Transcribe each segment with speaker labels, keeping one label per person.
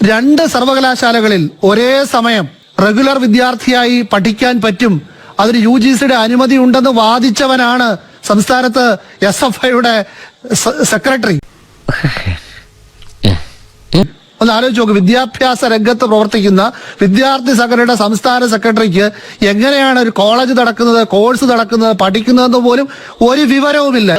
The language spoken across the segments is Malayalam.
Speaker 1: രണ്ട് സർവകലാശാലകളിൽ ഒരേ സമയം റെഗുലർ വിദ്യാർത്ഥിയായി പഠിക്കാൻ പറ്റും, അതിന് UGCയുടെ അനുമതി ഉണ്ടെന്ന് വാദിച്ചവനാണ് സംസ്ഥാനത്ത് SFIയുടെ സെക്രട്ടറി. ഒന്ന് ആലോചിച്ച് നോക്ക്, വിദ്യാഭ്യാസ രംഗത്ത് പ്രവർത്തിക്കുന്ന വിദ്യാർത്ഥി സംഘടനയുടെ സംസ്ഥാന സെക്രട്ടറിക്ക് എങ്ങനെയാണ് ഒരു കോളേജ് നടക്കുന്നത്, കോഴ്സ് നടക്കുന്നത്, പഠിക്കുന്നതെന്ന് പോലും ഒരു വിവരവുമില്ല.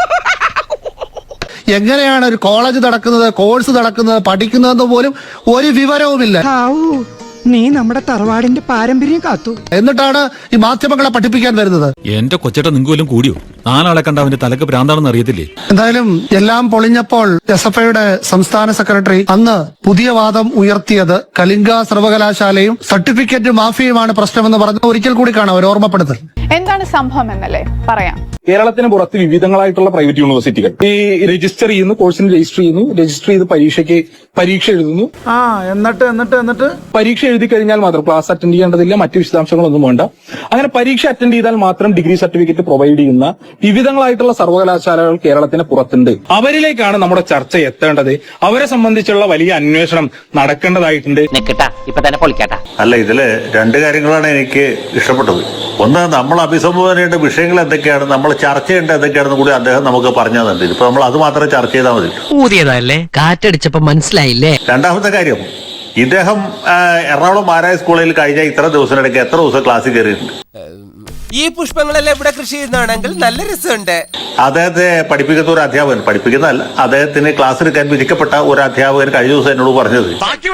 Speaker 1: എങ്ങനെയാണ് ഒരു കോളേജ് നടക്കുന്നത്, കോഴ്സ് നടക്കുന്നത്, പഠിക്കുന്നതെന്ന് പോലും ഒരു വിവരവുമില്ല.
Speaker 2: നീ നമ്മുടെ തറവാടിന്റെ പാരമ്പര്യം കാത്തു.
Speaker 1: എന്നിട്ടാണ് ഈ മാധ്യമങ്ങളെ പഠിപ്പിക്കാൻ വരുന്നത്.
Speaker 3: എന്റെ കൊച്ചേട്ട നിങ്ങൾക്ക് കൂടിയോ? നാലാളെ കണ്ട അവന്റെ തലക്ക് ഭ്രാന്താണെന്ന് അറിയത്തില്ലേ?
Speaker 1: എന്തായാലും എല്ലാം പൊളിഞ്ഞപ്പോൾ SFIയുടെ സംസ്ഥാന സെക്രട്ടറി അന്ന് പുതിയ വാദം ഉയർത്തിയത് കലിംഗ സർവകലാശാലയും സർട്ടിഫിക്കറ്റ് മാഫിയുമാണ് പ്രശ്നമെന്ന് പറഞ്ഞ് ഒരിക്കൽ കൂടി കാണാം ഒരു ഓർമ്മപ്പെടുത്തൽ.
Speaker 4: എന്താണ് സംഭവം എന്നല്ലേ പറയാം.
Speaker 5: കേരളത്തിന് പുറത്ത് വിവിധങ്ങളായിട്ടുള്ള പ്രൈവറ്റ് യൂണിവേഴ്സിറ്റികൾ ഈ രജിസ്റ്റർ ചെയ്യുന്നു, കോഴ്സിന് രജിസ്റ്റർ ചെയ്യുന്നു, രജിസ്റ്റർ ചെയ്ത് പരീക്ഷ എഴുതുന്നു. എന്നിട്ട് പരീക്ഷ എഴുതി കഴിഞ്ഞാൽ മാത്രം ക്ലാസ് അറ്റൻഡ് ചെയ്യേണ്ടതില്ല, മറ്റു വിശദാംശങ്ങളൊന്നും വേണ്ട. അങ്ങനെ പരീക്ഷ അറ്റൻഡ് ചെയ്താൽ മാത്രം ഡിഗ്രി സർട്ടിഫിക്കറ്റ് പ്രൊവൈഡ് ചെയ്യുന്ന വിവിധങ്ങളായിട്ടുള്ള സർവകലാശാലകൾ കേരളത്തിന് പുറത്തുണ്ട്. അവരിലേക്കാണ് നമ്മുടെ ചർച്ച എത്തേണ്ടത്. അവരെ സംബന്ധിച്ചുള്ള വലിയ അന്വേഷണം നടക്കേണ്ടതായിട്ടുണ്ട്.
Speaker 6: അല്ല, ഇതില് രണ്ട് കാര്യങ്ങളാണ് എനിക്ക് ഇഷ്ടപ്പെട്ടത്. ഒന്ന്, നമ്മൾ അഭിസംബോധന ചെയ്യേണ്ട വിഷയങ്ങൾ എന്തൊക്കെയാണ്, നമ്മൾ ചർച്ച ചെയ്യേണ്ട എന്തൊക്കെയാണെന്ന് കൂടി അദ്ദേഹം നമുക്ക് പറഞ്ഞു തന്നിട്ടുണ്ട്. ഇപ്പൊ നമ്മൾ അത് മാത്രം ചർച്ച ചെയ്താൽ മതി.
Speaker 7: ഊതിയതല്ലേ, കാറ്റടിച്ചപ്പോ മനസ്സിലായില്ലേ.
Speaker 6: രണ്ടാമത്തെ കാര്യം, ഇദ്ദേഹം എറണാകുളം മാരായ സ്കൂളിൽ കഴിഞ്ഞ ഇത്ര ദിവസത്തിനിടയ്ക്ക് എത്ര ദിവസം ക്ലാസ്സിൽ കയറിയിട്ടുണ്ട്?
Speaker 8: ഈ പുഷ്പങ്ങളെല്ലാം ഇവിടെ കൃഷി ചെയ്യുന്നതാണെങ്കിൽ നല്ല രസമുണ്ട്.
Speaker 6: അദ്ദേഹത്തെ പഠിപ്പിക്കുന്ന ഒരു അധ്യാപകൻ, പഠിപ്പിക്കുന്നതല്ല, അദ്ദേഹത്തിന് ക്ലാസ് എടുക്കാൻ വിധിക്കപ്പെട്ട ഒരു അധ്യാപകൻ കഴിഞ്ഞ ദിവസം എന്നോട് പറഞ്ഞത്,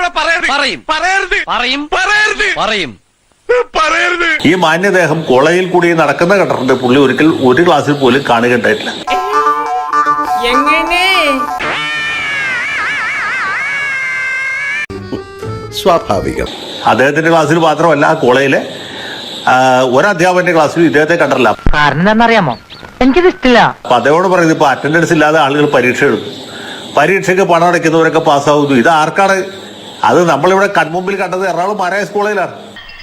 Speaker 6: ഈ മാന്യദേഹം കോളേജിൽ കൂടി നടക്കുന്ന കണ്ടിട്ടുണ്ട്, പുള്ളി ഒരിക്കൽ ഒരു ക്ലാസ്സിൽ പോലും കാണുകയുണ്ടായിട്ടില്ല.
Speaker 9: സ്വാഭാവികം.
Speaker 6: അദ്ദേഹത്തിന്റെ ക്ലാസ്സിൽ മാത്രമല്ല, കോളേജിലെ ഒരധ്യാപകന്റെ ക്ലാസ്സിൽ ഇദ്ദേഹത്തെ കണ്ടിട്ടില്ല.
Speaker 7: കാരണം എന്താണെന്നറിയാമോ, എനിക്കിത് ഇഷ്ടമില്ല.
Speaker 6: അപ്പൊ അദ്ദേഹത്തോട് പറയുന്നത്, ഇപ്പൊ അറ്റൻഡൻസ് ഇല്ലാതെ ആളുകൾ പരീക്ഷ എഴുതും, പരീക്ഷയ്ക്ക് പണം അടയ്ക്കുന്നവരൊക്കെ പാസ്സാവുന്നു. ഇത് ആർക്കാണ്? അത് നമ്മളിവിടെ കൺമുമ്പിൽ കണ്ടത് എറണാകുളം മാരായ കോളേജിലാണ്.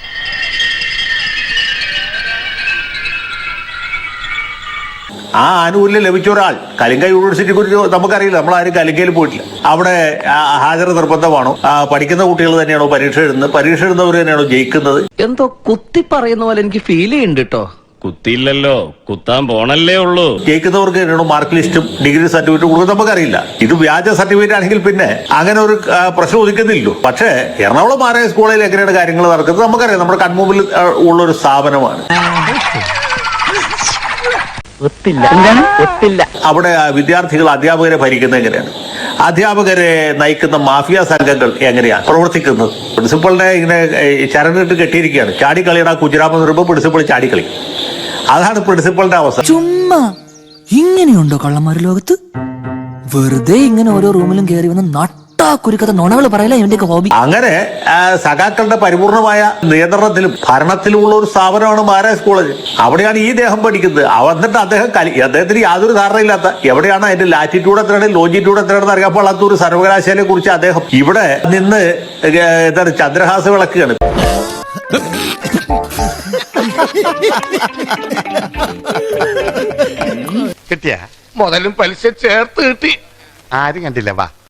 Speaker 6: ആ ആനുകൂല്യം ലഭിച്ച ഒരാൾ, കലിംഗ യൂണിവേഴ്സിറ്റിയെ കുറിച്ച് നമുക്കറിയില്ല, നമ്മളാരും കലിംഗയിൽ പോയിട്ടില്ല. അവിടെ ഹാജർ നിർബന്ധമാണോ, പഠിക്കുന്ന കുട്ടികൾ തന്നെയാണോ പരീക്ഷ എഴുതുന്നത്, പരീക്ഷ എഴുതുന്നവർ തന്നെയാണോ ജയിക്കുന്നത്?
Speaker 7: എന്തോ കുത്തി പറയുന്ന പോലെ എനിക്ക് ഫീൽ ചെയ്യുന്നുണ്ട് കേട്ടോ.
Speaker 3: കുത്തിയില്ലല്ലോ, കുത്താൻ പോണല്ലേ ഉള്ളൂ.
Speaker 6: ജയിക്കുന്നവർക്ക് തന്നെയാണോ മാർക്ക് ലിസ്റ്റും ഡിഗ്രി സർട്ടിഫിക്കറ്റ് കൊടുക്കുന്നത് നമുക്കറിയില്ല. ഇത് വ്യാജ സർട്ടിഫിക്കറ്റ് ആണെങ്കിൽ പിന്നെ അങ്ങനെ ഒരു പ്രശ്നം ഉദിക്കുന്നില്ലല്ലോ. പക്ഷേ എറണാകുളം മാരായ സ്കൂളിൽ എങ്ങനെയാണ് കാര്യങ്ങൾ നടക്കുന്നത് നമുക്കറിയാം. നമ്മുടെ കൺമുമ്പിൽ ഉള്ളൊരു സ്ഥാപനമാണ്. അവിടെ വിദ്യാർത്ഥികൾ അധ്യാപകരെ ഭരിക്കുന്നത് എങ്ങനെയാണ്, അധ്യാപകരെ നയിക്കുന്ന മാഫിയ സംഘങ്ങൾ എങ്ങനെയാണ് പ്രവർത്തിക്കുന്നത്? പ്രിൻസിപ്പളിനെ ഇങ്ങനെ ചരണിട്ട് കെട്ടിയിരിക്കുകയാണ്, ചാടിക്കളിയുടെ കുജരാമെന്ന് പറയുമ്പോൾ പ്രിൻസിപ്പൾ ചാടിക്കളി. അതാണ് പ്രിൻസിപ്പളിന്റെ അവസ്ഥ.
Speaker 10: ചുമ്മാ ഇങ്ങനെയുണ്ടോ കള്ളന്മാര് ലോകത്ത്? വെറുതെ ഇങ്ങനെ ഓരോ റൂമിലും കയറി വന്ന് നട്ടാക്കുരുക്കഥ നുണകൾ പറയല ഇവന്റെയൊക്കെ ഹോബി.
Speaker 6: അങ്ങനെ സഖാക്കളുടെ പരിപൂർണമായ നിയന്ത്രണത്തിലും ഭരണത്തിലുമുള്ള ഒരു സ്ഥാപനമാണ് മാരായ കോളേജ്. അവിടെയാണ് ഈ ദേഹം പഠിക്കുന്നത്. എന്നിട്ട് അദ്ദേഹത്തിന് യാതൊരു ധാരണയില്ലാത്ത, എവിടെയാണ് അതിന്റെ ലാറ്റിറ്റ്യൂഡ് എത്രയാണ് ലോജിറ്റ്യൂഡ് എത്രയാണെന്ന് അറിയാൻ പാടാത്ത ഒരു സർവകലാശാലയെ കുറിച്ച് അദ്ദേഹം ഇവിടെ നിന്ന് എന്താണ് ചന്ദ്രഹാസ വിളക്കുകയാണ്.
Speaker 9: കിട്ടിയ മുതലും പലിശ ചേർത്ത് കിട്ടി. ആരും കണ്ടില്ല. വാ.